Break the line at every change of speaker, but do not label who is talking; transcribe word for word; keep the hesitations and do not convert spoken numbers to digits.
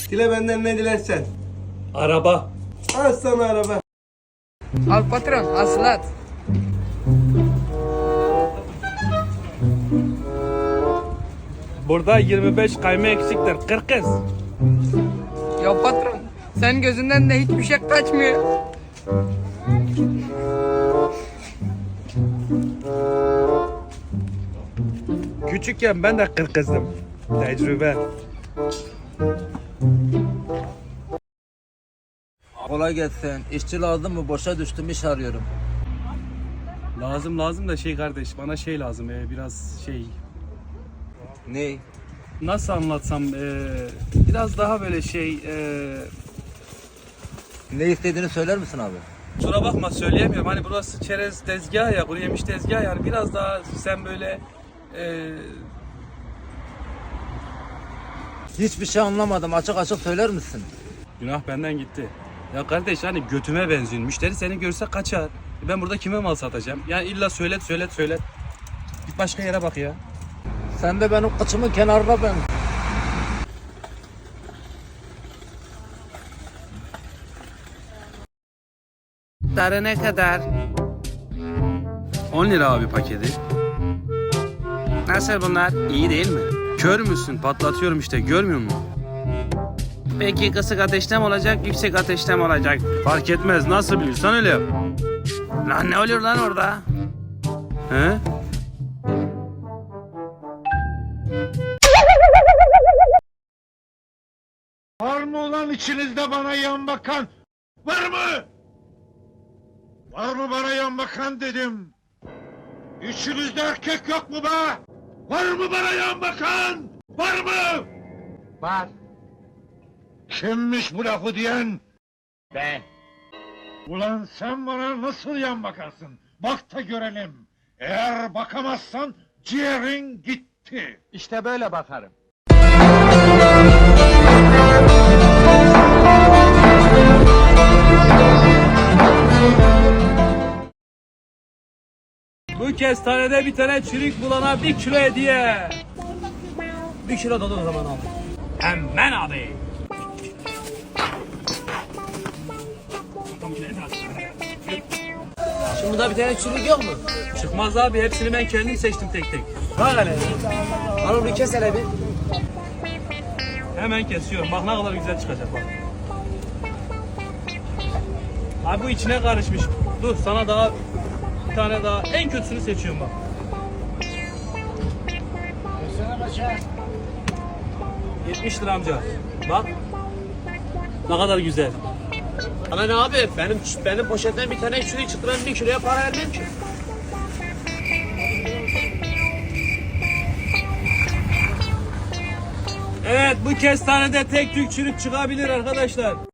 Dile benden ne dilersen.
Araba.
Al sana araba.
Al patron, aslat.
Burada yirmi beş kayma eksiktir. kırk kız.
Ya patron, senin gözünden de hiçbir şey kaçmıyor.
Küçükken ben de kırk kızdım. Tecrübe.
Kolay gelsin. İşçi lazım mı? Boşa düştüm, iş arıyorum.
Lazım lazım da şey kardeş, bana şey lazım ee, biraz şey,
Ne?
nasıl anlatsam ee, biraz daha böyle şey ee,
Ne istediğini söyler misin abi?
kusura bakma söyleyemiyorum, hani burası çerez tezgahı ya, kuru yemiş tezgahı, yani biraz daha sen böyle ee,
Hiçbir şey anlamadım. Açık açık söyler misin?
günah benden gitti. Ya kardeş, hani götüme benziyor, müşteri seni görse kaçar. Ben burada kime mal satacağım? Yani illa söylet söylet söylet. Git başka yere bak ya.
Sen de benim kıçımın kenarına ben.
Darı ne kadar? on lira abi paketi. Nasıl bunlar? İyi değil mi? Kör müsün? Patlatıyorum işte, görmüyor musun? Peki kısık ateşte mi olacak, yüksek ateşte mi olacak? Fark etmez, nasıl biliyorsan öyle yap. Lan ne oluyor lan orada? He?
Var mı ulan içinizde bana yan bakan? Var mı? Var mı bana yan bakan dedim. İçinizde erkek yok mu be? Var mı bana yan bakan? Var mı? Var. Kimmiş bu lafı diyen? Ben. Ulan sen bana nasıl yan bakarsın? Bak da görelim. Eğer bakamazsan ciğerin gitti. İşte böyle bakarım.
Bu kestanede bir tane çürük bulana bir kilo hediye. Bir kilo dolu o zaman abi. Hemen abi.
Şimdi burada bir tane çürük yok mu?
Çıkmaz abi, hepsini ben kendim seçtim tek tek. Bak hele.
Al onu kes hele bir.
Hemen kesiyorum. Bak ne kadar güzel çıkacak bak. Abi bu içine karışmış. Dur sana daha bir tane daha, en kötüsünü seçiyorum bak. yetmiş lira amca. Bak. Ne kadar güzel.
Ama ne abi? Benim benim poşetten bir tane çürük çıktı. Ben bir kiloya para vermem ki.
Evet, bu kestanede tek tük çürük çıkabilir arkadaşlar.